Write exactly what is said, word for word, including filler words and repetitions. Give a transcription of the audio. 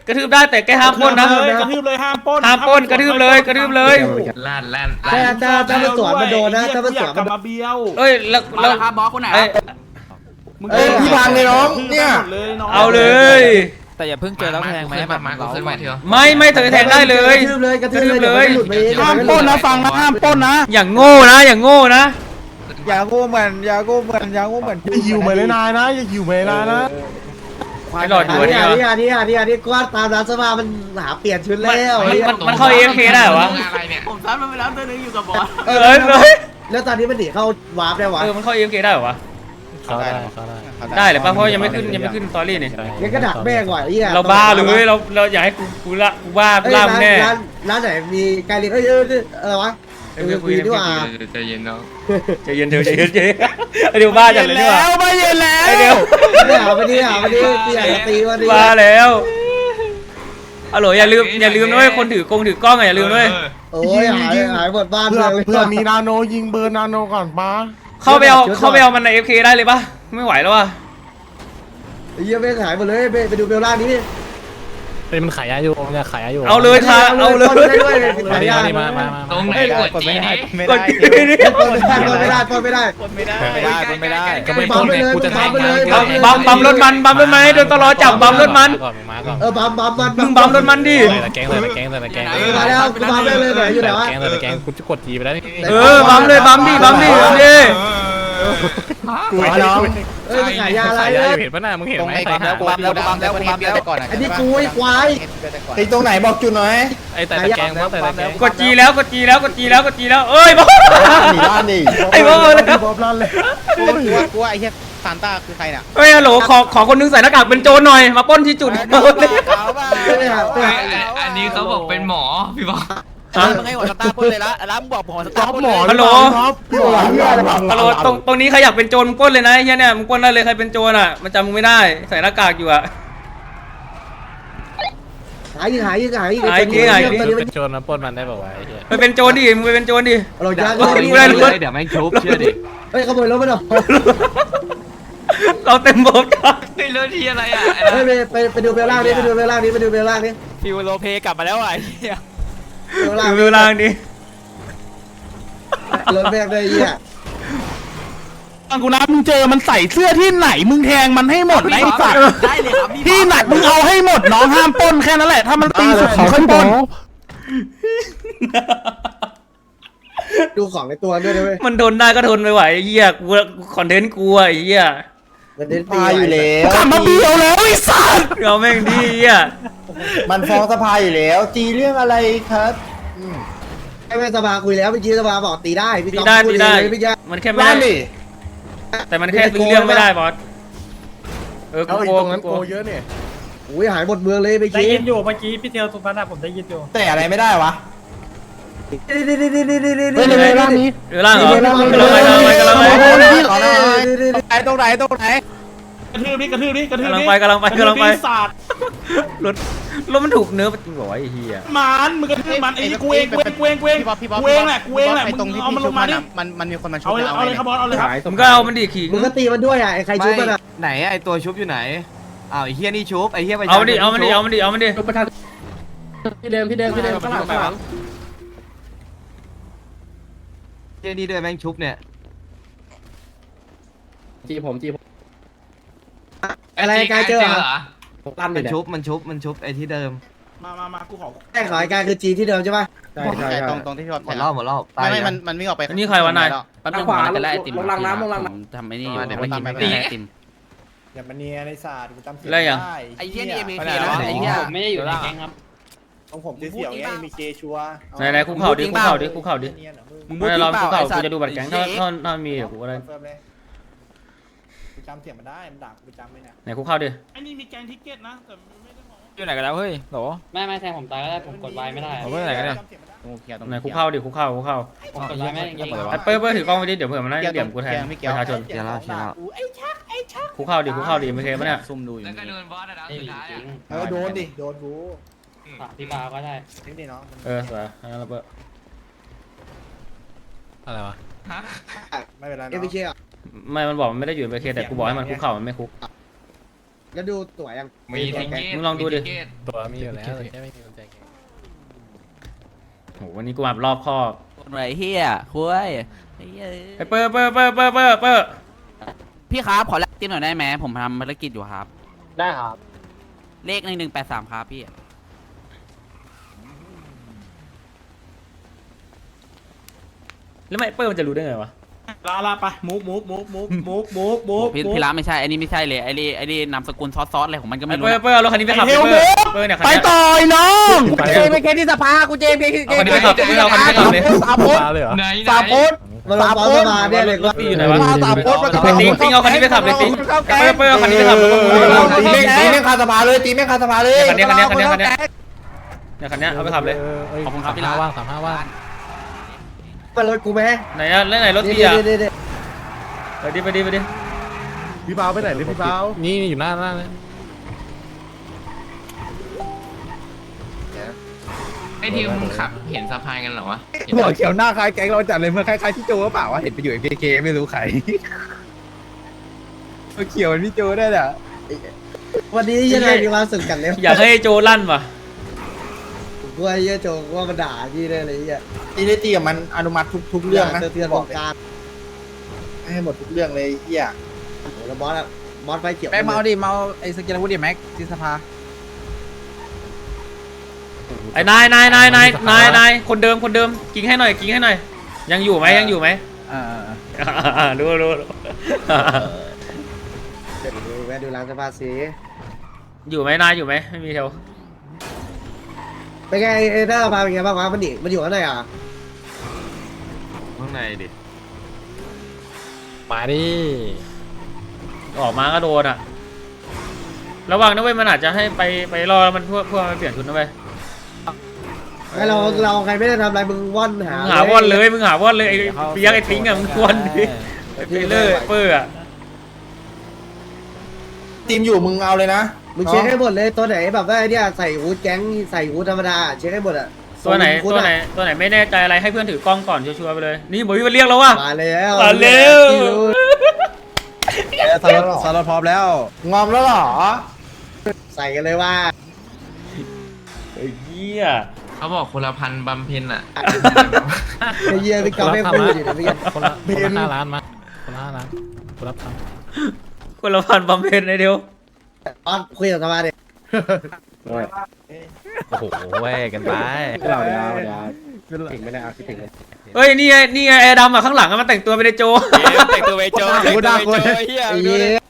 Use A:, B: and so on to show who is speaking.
A: กระทืบได้แต่แกห้ามปล้นนะ
B: กระทืบเลยห้ามปล้น
A: ห้ามปล้นกระทืบเลยกระทืบเลย
C: ลั่นลั่น
D: ถ้าถ้าถ้ามันสวนมันโดนนะถ้ามันสวน
B: ก
D: มั
B: ลั
D: น
B: บมาเบี้ยว
A: เอ้ยแล้วแล้ว
E: ครับบอสคนไหน
A: เอ้ย
B: มึง
D: เอ้ยพี่พังเลยน้องเนี่ย
A: เอาเลย
F: แต่อย่าเพิ่งเจอแล้วแทงไหม
C: ขึ้นมามาขึ้นมาเถอะ
A: ไม่ไม่เธอแทงได้เลย
D: กระทืบเลยกระทืบเลยหลุดไปเอง
B: ห้ามปล้นนะฟังนะห้ามปล้นนะ
A: อย่างโง่นะอย่างโง่นะ
F: อย่าโง่เหมือนอย่าโง่เหมือนอย่าโง่เหมือน
G: อย่าหิวเหมือนนายนะอย่าหิวเหมือนนายนะ
A: ไอ้หลอดอยู่
D: อัน
A: เนี่
D: นี้
A: ย
D: อันนี้อันนี้อันนี้กวาดตามร้านสภามันหาเปลี่ยนชุดแล้ว
A: มันมันเข้า เอ เอฟ เค ได้เหรอวะ
C: อะไรเนี่ย
E: ผมซ้ำมันไปแล้วตัวนึงอยู่กับบอส
A: เออเลย
D: แล้วตอนนี้มันหนีเข้าวาร์ปได้วะ
A: เออมันเข้า เอ เอฟ เค ได้เหรอวะ
F: เขาได้เขาได้
A: ได้เลยป่ะเพราะยังไม่ขึ้นยังไม่ขึ้นสตอรี่นี่
D: งั้นก็ดักแม่งว่ะไอ้เหี้ย
A: เราบ้าเลยเราเราอยากให้กูกูละกูบ้า
D: เอ้ย
A: ล่า
D: ร้าน
A: แน่
D: ร้านร้านไหนมีไก่เลี้ยงเอ้ยเอ้ยอะไรวะเออคุยดีกว่า
C: ใจเย็นเนาะ
A: ใจเย็นเธอใจเย็นใจเย็นเดี๋ยวบ้าจัดเลยดีกว่า
B: ไม่เย็นแล้ว
A: ไอเดี๋ยว
D: เนี่ยวันนี้อ่ะวันนี้เปลี่ยนตีวันนี้
A: บ้าแล้วฮัลโหลอย่าลืมอย่าลืมด้วยคนถือกล้องถือกล้องอย่าลืมด้วย
D: โอ้ยหายหายหมดบ้าน
G: เพื่อ
D: เลย
G: เพื่อมีนาโนยิงเบอร์นาโนก่อนป้า
A: เข้าไปเอาเข้าไปเอามันใน เอฟ เค ได้เลยป่ะไม่ไหวแล้วว่ะ
D: ไอ้เหี้ยไม่หายหมดเลยไปไปดูเบลล่านี้
F: เป็นมันขายยาอยู่มันจะขายยาอยู่
A: เอาเลยค่ะเอาเลย
D: ขายยา
F: มามามา
C: ตรงไหนกดจีนี่
A: กดจีนี่
D: ปนไม่ได้ปนไม่ได้ปนไม่ได้
F: ไม่ได้ไม่ได้ก็ไม่
D: บัมไปเลย
F: กูจะ
D: บัมไปเลย
A: บัมบัมบัมรถมันบัมรถมันให้โดนตลอจับบัมรถมัน
F: ก่อนมาก่อน
D: เออบัมบัมมัน
A: มึงบัมรถมันดิ
F: ใส่ตะแกงใส่ตะแกงใส่ตะแกง
D: มาแล้วกูบัมได้เลยไหนอยู่ไหนวะ
F: แกงใส่ตะแกงกูจะกดทีไปแล้วนี่
A: เออบัมเลยบัมดิบัมดิบัมดิ
F: กูไม่รู้
D: เอ้ยขายยาอะไร
F: ขายยา
D: เนี่
F: อย ยู่เห็นปะหน้ามึงเห็นไหม
E: แล้วกูแล้วกูบัมแล้วกูบัมแล้วก่อน
D: อันนี้กูไอ้ควาย
F: ไอ้ตรงไหนบอกจุดหน่อยไอ้แต่ตะแกงว่าแต่ตะแกง
A: กดจีแล้วกดจีแล้วกดจีแล้วกดจีแล้วเอ้ยบอส
G: หนีบ้านดิ
A: ไอ้บอสเลย
G: บอบลั่นเลย
E: กูว่ากูว่าไอ้เหี้ยซานต้าคือใครเนี่ย
A: เฮ้ยฮัลโหลขอขอคนนึงใส่หน้ากากเป็นโจรหน่อยมาปล้นที่จุด
E: เขาบ้า
C: อันนี้เขาบอกเป็นหมอพี่บอก
E: มึงให้หัวสตาร์พูดเลยละแล้วมึงบอกผมหัวสตา
G: ท็อ
E: ร์
G: ป
E: พูด
G: หม
E: เล
G: อย
A: ฮัลโหล
G: ท็อปพี่หมอ
A: ฮัลโหลตรงตรงนี้ใครอยากเป็นโจรมึงปล้นเลยนะไอ้เฮียเนี่ยมึงปล้นได้เลยใครเป็นโจรอ่ะมันจำมึงไม่ได้ใส่หน้ากากอยู่อ่ะ
D: หายยิงหายยิงหายยิง
A: หายยิงหายยิง
D: ตอนนี้มัน
F: เป็นโจรมาปล้นมันได้ป่าววะไอ้เหี้ย
A: ไปเป็นโจรดิมึงไปเป็นโจรดิ
D: เราจะ
A: กูได้รถ
C: เดี๋ยวแม่งชุบเชื่อดิ
D: เฮ้ยขโมยรถไปหน่อย
A: เราเต็มบทกัน
C: ไอ้เรื่องที่อะไรอ่ะ
D: เฮ้ยไปไปไปดูเบลล่านี้ไปดูเบลล่านี้ไปดูเบลล่านี้
E: ฟิวโลเพกลับมาแล้วไอ้เหี้ย
D: เบลล่า
A: ดูเวลาดิ
D: รถแม่งได้เหี้ย
B: ฟังกูนะมึงเจอมันใส่เสื้อที่ไหนมึงแทงมันให้หมดนะไอ้สัตว์
E: ได้เลยครับ
B: ที่ไหนมึงเอาให้หมดน้องห้ามปล้นแค่นั้นแหละถ้ามันตีสุดของค่อยปล้น
D: ดูของในตัวด้วยนะเว้ย
A: มันทนได้ก็ทนไปไหวไอ้เหี้ยกูคอนเทนต์กูอะไอ้เหี้ย
D: มันเด่นตี
G: ตายอยู่แล้ว
B: กลับมาเบี้ยวแล้วไอ้สัตว์
A: เราแม่งดีไอ้เหี้ย
G: มันฟ้องสภาอยู่แล้วจีเรื่องอะไรครับ
D: ไอ้แม่สภาคุยแล้วเมื่อกี้สภาบอกตีได้พี่
A: ตี
D: ต๊อบ
A: ได้
D: พู
A: ตีได้
D: เลยพี่แจ๊ค
A: มันแค่ไม่ได้แต่มันแค่ซื้อเรื่องไม่ได้บอสเออกู
G: เอาอี
A: โก
G: ก
A: ง
G: ตรงนั้น
A: กู
G: โก
A: โกง
G: เยอะเนี่ย
D: อุ้ยหายหมดเมืองเลยไป
H: ได้
D: กี้
H: ยินอยู่เมื่อกี้พี่เทียวสุพรรณผมได้ยินอยู่
G: แต่อะไรไม่ได้วะ
D: นี่นี่นี่นี่นี่นี่
G: เฮ้ยในร่างนี้
A: เออล่างเหรอกำลังไปกำลังไปกำลังไป
F: ไอ้ตรงไหนตรงไหน
B: กระทืบดิกระทืบดิกระทืบ
A: กำลัง
B: ดิ
A: ไปกำลังไปกำลังไป
B: ศาสตร์
A: รถรถมันถูกเนื้อจริงเหรอวะไอ้เหี้ย
B: มันมึงกระทืบมันไอ้กูเองกูเองกูเองกูเอง
E: พี่บอสพี่บอส
B: กูเองแหละกูเองแหละ
E: ไอ้ตรงที่
B: เอา
E: พี่
B: มันล
E: ชุบ
B: งมา
E: มัน
B: ดิ
E: อะมันมันมีคนมาชุบ
B: เอาเลยเอาเลยครับบอสเอาเลยครับ
A: มึงก็เอามันดิขิง
D: มึงก็ตีมันด้วยอ่ะไอ้ใครชุบมันอ่ะ
C: ไหนไอ้ตัวชุบอยู่ไหนอ้าวไอ้เฮียนี่ชุบไอ้เฮียไป
A: เอามันดิเอามันดิเอามันดิเอามันดิ
H: พี่เดิมพี่เดิมพี่เดิมข้างหลังข้างหลัง
C: เฮียนี่ด้วยแม่งชุบเนี่ย
H: จีผมจีผม
D: อะไรกายเจอเหรอ
H: ลั่นเล
C: มั
H: ย
C: น
H: เนี่ย
C: ชุบมันชุบมันชุบไอ้ที่เดิม
B: มามามากูขอ
D: แค่ขอไอ้กายคือจีที่เดิมใช่ป่ะ
H: ใช่ใช่
E: ตรงตรงที่พี่บอส
C: หมดรอบหมดรอบตาย
E: ไม่ไม่
C: ยั
E: มัน
C: ง
E: มันวิ่งออกไป
A: อันนี้ใครวะนาย
E: แป๊บนึง
H: ขวา
E: ผมจะไล่ไอติม
H: ลงรางน้ำลงรางน้
E: ทำไม่นี่อยู่
C: เดี๋ยว
E: ผม
C: มัน
E: ตามไป
C: ตี
E: ไล่ไอติม
G: อย่ามาเนียในศาสตร์กูจำเสีย
A: อะไรอย่าง
E: ไอ้เหี้ยนี่เอ็มเคนะไอ้เหี้ย
H: ไม่ได้อยู่ในแก๊งครับ
G: ของผมเสียวๆไงมีเกชัว
A: ไหนไหนคุกเข่าดิคุกเข่าดิคุกเข่าดิ
G: เนียนเหรอมึง
E: มึงพูด
A: ไม่
E: จริ
A: ลอง
E: งเป
A: คุก
E: ล่า
A: เข่า
E: ไอ้สัต
A: กู
E: ว์
A: จะดูบัตรแก๊งถ้าถ้าถ้ามีเดี๋ยวกูก็ได้
G: เฟิร์มเลยกูจำเสียงมันได้มันด่ากูจำไม่เนี่ย
A: ไหนคุกเข่าดิ
B: ไอ้นี่มีแกงทิกเก็ตนะแต่ไม่ได้บอก
F: อยู่ไหนกันแล้วเฮ้ยโหล
H: ไม่ไม่แทงผมตายก็ได้ผมกดไว้ไม่ได้
F: ผมไปไหนกันเนี่ย
E: โอเคตรง
A: ไหนคุกเข่าดิคุกเข่าคุกเข่า
H: ผมกดไว้ไม่ได้จริง
A: ไอ้เปิ้ลเปิ้ลถือกล้องไปดิเดี๋ยวเผื่อมันได้เดี่ยมกูแทนประชาชน
C: เดี๋ยวเราเชียร์เรา
A: คุกเข่าดิคุกเข่าดิไม่เคปะเนี่ย
E: ซุ่มดูอยู่
C: แล้วก็โดนบอสอะนะ
H: ไม่
C: สุด
H: มี
C: ท้าย
H: จริ
C: อะ
H: ง
G: เออโดนดิโดนกู
H: ฝากพี่บาก็ได้
G: นี่ดิเนาะ
A: เออสวยงั้นเราเปิ้ล
F: อะไรวะ
C: ฮะ
G: ไม่เป็นไร
D: เอ็ม
G: เนาะ
D: พีเคอ่ะ
A: ไม่มันบอกมันไม่ได้อยู่ในเคแต่กูบอกให้มันคุกเข่ามันไม่คุก
D: แล้วดูตั๋วยัง
C: มีทิเกต
A: มึงลองดูดิ
C: มีทิเกต
F: ตัวมีอยู่แล้วแต่แค่ไม่มีคนแจก
A: โหวันนี้กูมารอบคอบ
B: คนไหนเฮียคุยไอ้เหี้ย
A: ไอ้เปอร์เปอร์เปอร์เปอร์เปอร์เปอร์
B: พี่ครับขอแลกจิ้มหน่อยได้ไหมผมทำภารกิจอยู่ครับ
F: ได้ครับ
B: เลขหนึ่งหนึ่งแปดสามครับพี่
A: แล้วไม่เปอร์มันจะรู้ได้ไงวะ
G: ลาลาไปมูฟมูฟมูฟมูฟมูฟมูฟมูฟ
B: พี่พี่ร้านไม่ใช่ไอ้นี่ไม่ใช่เลยไอ้นี่ไอ้นี่นามสกุลซอสซอสอะไรของมันก็ไม่
A: ไอ้
B: รู้
A: เปอร์
B: นะ
A: เปอร์เอารถคันนี้ไปขับเปอร์เปอร์เนี่ยคัน
B: ไป
A: นี้
B: ต่อยน้อง
F: ไป
D: เจมไปแค่ที่สภากูเจมไป
A: เอาคันนี้ไปขับมึงเอาคันนี้ไปขับเลย
D: สามโพส
F: มาเลยเหรอ
C: ไหน
D: สามโพสมาลงบอลมาเนี่ยเลยว่า
A: พี่อยู่ไหนวะ
D: สามโพสมา
A: ไอ้ติ๊งติ๊งเอาคันนี้ไปขับเลยติ๊งไอ้เปอร์เปอร์เอาคันนี้ไปขับแล้วก็มึงเอาคัน
D: ตี
A: นี้
D: แม่งตีแม่งคาสภาเลยตีแม่งคาสภาเลย
A: คันนี้คันนี้คันนี้คันนี้เนี่ยคันนี้เอาไปขับเลย
F: ขอบคุณครับพี่ลาว่างสามห้าว่าง
D: มารถกูไหม
A: ไหนอะแล้วไหนรถ
D: เดี๋
A: พี่อะ
D: ยวเดี๋ยวเดี๋ยว
A: ไปดิไปดิไปดิ
F: พี่เบาไปไหนเลยพี่เบานี่อยู่หน้าหน้าเลย
C: ไอ้ที่มึงขับเห็นสะพานกันเหรอวะ
E: หัวเขียวหน้าคล้ายแก๊งเราจัดเลยเมื่อคล้ายๆพี่โจหรือเปล่าวะเห็นไปอยู่เอ็มเคไม่รู้ใครหัวเขียวเป็นพี่โจได้แหละ
D: วันนี้ยังไงมีความสุขกันเลย
A: อยากให้โจลั่นว่ะ
D: กูว่าเยอะโจกูว่ามันด่าพี่ได้เลยเหี้ย
G: ตีได้ตีกับมันอนุมัติทุกทุกเรื่องนะ
D: เตือนวงการ
G: ให้หมดทุกเรื่องเลยเฮีย
D: โอ้โหแล้วบอสอะบอสไฟเขียว
E: แม็กเมาดิเมาไอ้สกิลวูดดิแม็กที่สภา
A: ไอ้นายนายนายนายนายนายคนเดิมคนเดิมกิ้งให้หน่อยกิ้งให้หน่อยยังอยู่ไหมยังอยู่ไหม
E: อ่า
A: รู้รู้รู้
D: เดี๋ยวดูแวะดูร้านสภาสี
A: อยู่ไหมนายอยู่ไหมไม่มีแถว
D: เป็นไงเอเดอร์มาเป็นไงบ้างวะมันดิมันอยู่ข้างในอ่ะ
C: ข้างในดิ
F: มาดิ
A: ออกมาก็โดนอ่ะระวังนะเว้ยมันอาจจะให้ไปไปรอแล้วมันพวกพวกมันเปลี่ยนชุดนะเว้ย
D: ไอเราเราใครไม่ได้ทำอะไรมึงว่อนหา
A: มึงหาว่อนเลยมึงหาว่อนเลยไอ้เปียกไอ้ทิ้งอ่ะมึงว่อนดิไอ้เปเลอร์เปอร์อ่ะ
G: ทีมอยู่มึงเอาเลยนะ
D: มึงเช็คให้หมดเลยตัวไหนแบบว่าไอเนี่ยใส่ฮูดแก๊งใส่ฮูดธรรมดาเช็คให้หมดอ่ะ
A: ตัวไหนตัวไหนตัวไหนไม่แน่ใจอะไรให้เพื่อนถือกล้องก่อนชัวร์ๆไปเลยนี่บอกพี่มันเรียกแล้วว่ะ
D: มาแล้ว
A: มาเร็ว
E: สารสารพร้อมแล้ว
G: งอมแล้วเหรอ
D: ใส่กันเลยว่า
A: ไอ้เหี้ย
C: เขาบอกคนละพันบำเพ็ญอ่ะ
D: ไอ้เหี้ยพี่กอล์ฟไม่พูดอยู่นะพี่
F: คนละคนละห้าล้านมาคนละห้าล้านคนละพัน
A: คนละพันบำเพ็ญไอ้เดียว
D: ตอนคุยกับสภาดิ
F: โอ้โหแวกันไป
E: เราเดี๋ยวเดี๋ยว
D: ถึงไม่ได้เอาคิดถึง
A: เฮ้ยนี่ไงนี่ไงไอ้ดำอ่ะข้างหลังอะมันแต่งตัวเป็นไอ้โจ
F: แต่งตัวไปโจแต่งตัวไปโจเฮีย
D: ไอ้เหี้ย